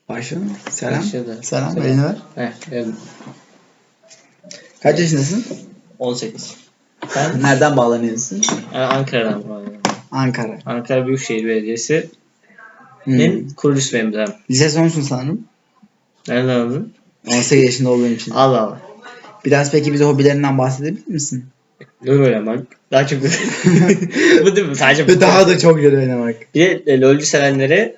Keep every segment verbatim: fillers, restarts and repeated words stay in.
Başlayalım. Selam. Başladı. Selam. Selam. Beni ver. Heh, evet. Kaç yaşındasın? on sekiz. Ben Nereden bağlanıyorsun? yani Ankara'dan bağlıyorum. Ankara. Ankara Büyükşehir Belediyesi'nin Hmm. kurucusu benim de. Lise sonsun sanırım. Nereden aldın? on sekiz yaşında olduğun için. Allah Allah. Biraz peki bize hobilerinden bahsedebilir misin? LoL oynamak. Daha çok bu değil mi? Sadece bu. Ve daha da çok LoL oynamak. Bir de e, LoL'cü sevenlere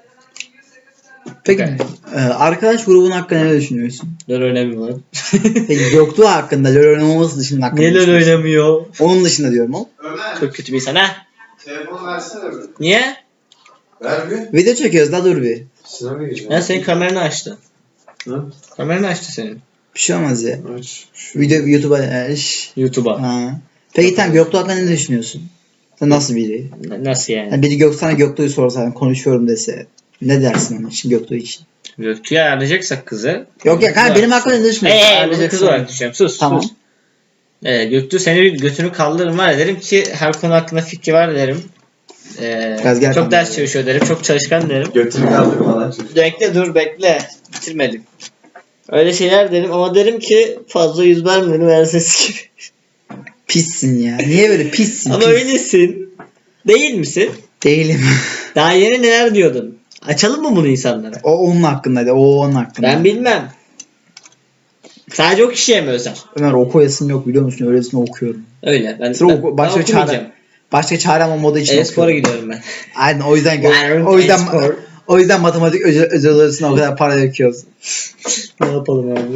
Peki Okay. e, arkadaş grubun hakkında ne düşünüyorsun? LoL oynamıyorlar. Peki Göktuğ hakkında LoL oynamaması dışında hakkında Niye ne LoL düşünüyorsun? oynamıyor? Onun dışında diyorum o. Ömer, Çok kötü bir insan ha. telefonu versene bir. Niye? Ver bir. Video çekiyoruz da dur bir. Sınava gireceğim. Ya senin kameranı açtı. Hı? Kameranı açtı senin. Bir şey olmaz ya. Aç. Video YouTube'a e, şş. YouTube'a. Ha. Peki tamam Göktuğ hakkında ne düşünüyorsun? Sen nasıl biri? N- Nasıl yani? Yani biri Gök sana Göktuğ'u sorsa hani konuşuyorum dese ne dersin onun için Göktuğ için? Göktuğ'u ayarlayacaksak kızı. Yok ya kanka benim hakkında ne düşünüyorsun? Eee bunu Ayarlayacaksın. kız olarak düşünüyorum. Sus Tamam. sus. Ee, Göktuğ seni bir götünü kaldırırım var ya, derim ki her konu hakkında fikri var derim. Ee, Biraz gel çok kanka. ders çalışıyor derim. Çok çalışkan derim. Götünü kaldırma lan çocuk. Bekle dur bekle. Bitirmedim. Öyle şeyler derim ama derim ki fazla yüz verme üniversitesi gibi. Pissin ya. Niye böyle pissin? Ama Pis. öylesin. Değil misin? Değilim. Daha yeni neler diyordun? Açalım mı bunu insanlara? O onun hakkındaydı. O onun hakkında. Ben bilmem. Sadece o kişiye mi özel? Ömer okuyasım yok biliyor musun? Öylesine okuyorum. Öyle. Ben, Sıra ben, oku- ben başka okumayacağım. çare, başka çarem olmadığı için E-spora okuyorum. gidiyorum ben. Aynen o yüzden gö- Yarın o yüzden e-spor. o yüzden matematik özel, özel odasına o kadar para döküyoruz. Ne yapalım abi?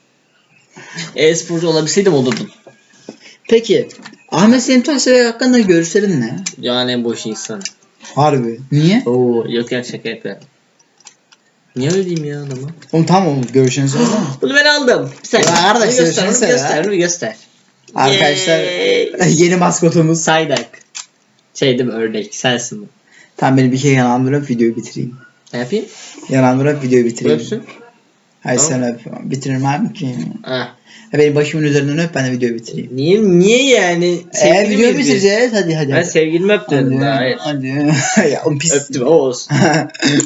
E-sporcu olabilseydim olurdum. Peki Ahmet Selim Taşdemir hakkında görüşlerin ne? Yani en boş insan. Harbi. Niye? Oo, yok ya şaka yapıyorum. Niye öyle diyeyim ya adama? Oğlum tamam oğlum görüşlerini söylesene. Bunu ben aldım. Bir saniye. Ya arkadaş, Bunu göster, görüşürüz bunu ya. göster, bunu göster. Arkadaşlar Yay. yeni maskotumuz. Saydak. Şey değil mi, ördek, sensin bu. Tamam beni bir kere yanandırıp videoyu bitireyim. Ne yapayım? Yanandırıp videoyu bitireyim. Öpsün. Hayır Tamam. sen öp. Bitiririm abi ki. Ha. Ha, benim başımın üzerinden öp ben de videoyu bitireyim. Niye, niye yani? Eee Sevgili videoyu miyiz biz? bitireceğiz hadi hadi. Ben sevgilimi öp dedim Hadi. daha, hayır. Hadi. Ya oğlum pis. Öptüm, o olsun.